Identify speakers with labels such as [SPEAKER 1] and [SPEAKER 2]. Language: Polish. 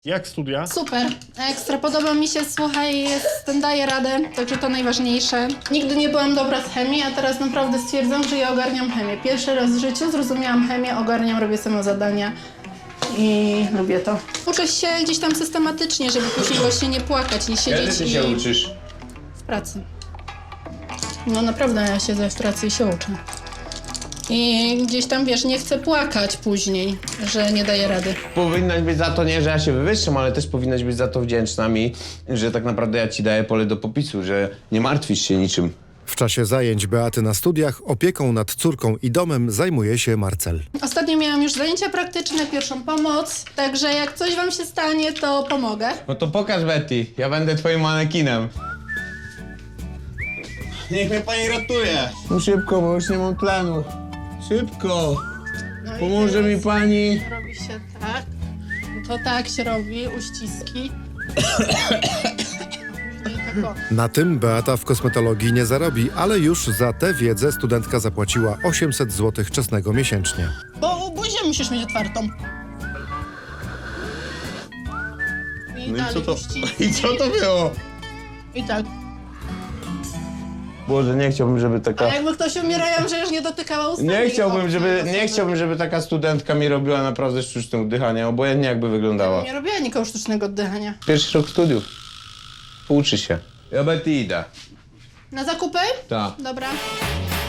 [SPEAKER 1] Jak studia?
[SPEAKER 2] Super, ekstra, podoba mi się, słuchaj, daję radę, także to najważniejsze. Nigdy nie byłam dobra z chemii, a teraz naprawdę stwierdzam, że ja ogarniam chemię. Pierwszy raz w życiu zrozumiałam chemię, ogarniam, robię samo zadania i lubię to. Uczę się gdzieś tam systematycznie, żeby później właśnie nie płakać, nie siedzieć
[SPEAKER 3] Kiedy ty się
[SPEAKER 2] i...
[SPEAKER 3] uczysz?
[SPEAKER 2] W pracy. No naprawdę, ja siedzę w pracy i się uczę. I gdzieś tam, wiesz, nie chcę płakać później, że nie daję rady.
[SPEAKER 3] Powinnaś być za to nie, że ja się wywyższam, ale też powinnaś być za to wdzięczna mi, że tak naprawdę ja ci daję pole do popisu, że nie martwisz się niczym.
[SPEAKER 4] W czasie zajęć Beaty na studiach opieką nad córką i domem zajmuje się Marcel.
[SPEAKER 2] Ostatnio miałam już zajęcia praktyczne, pierwszą pomoc, także jak coś wam się stanie, to pomogę.
[SPEAKER 3] No to pokaż, Betty, ja będę twoim manekinem.
[SPEAKER 1] Niech mnie pani ratuje.
[SPEAKER 3] No szybko, bo już nie mam tlenu. Szybko.
[SPEAKER 2] No i
[SPEAKER 3] Pomoże
[SPEAKER 2] teraz
[SPEAKER 3] mi pani.
[SPEAKER 2] robi się tak, to tak się robi, uściski. I tak o.
[SPEAKER 4] Na tym Beata w kosmetologii nie zarobi, ale już za tę wiedzę studentka zapłaciła 800 zł czesnego miesięcznie.
[SPEAKER 2] Bo buzię musisz mieć otwartą. I
[SPEAKER 1] No i
[SPEAKER 2] dalej
[SPEAKER 1] co to?
[SPEAKER 2] uściski.
[SPEAKER 1] I co to było?
[SPEAKER 2] I tak.
[SPEAKER 3] Boże, nie chciałbym, żeby
[SPEAKER 2] A
[SPEAKER 3] taka...
[SPEAKER 2] jakby ktoś umiera, ja bym przecież nie dotykała ustami.
[SPEAKER 3] Nie chciałbym, żeby taka studentka mi robiła naprawdę sztuczne oddychanie, obojętnie jakby wyglądała.
[SPEAKER 2] Nie robiła nikogo sztucznego oddychania.
[SPEAKER 3] Pierwszy rok studiów. Pouczy się. Ja Betty idę.
[SPEAKER 2] Na zakupy?
[SPEAKER 3] Tak.
[SPEAKER 2] Dobra.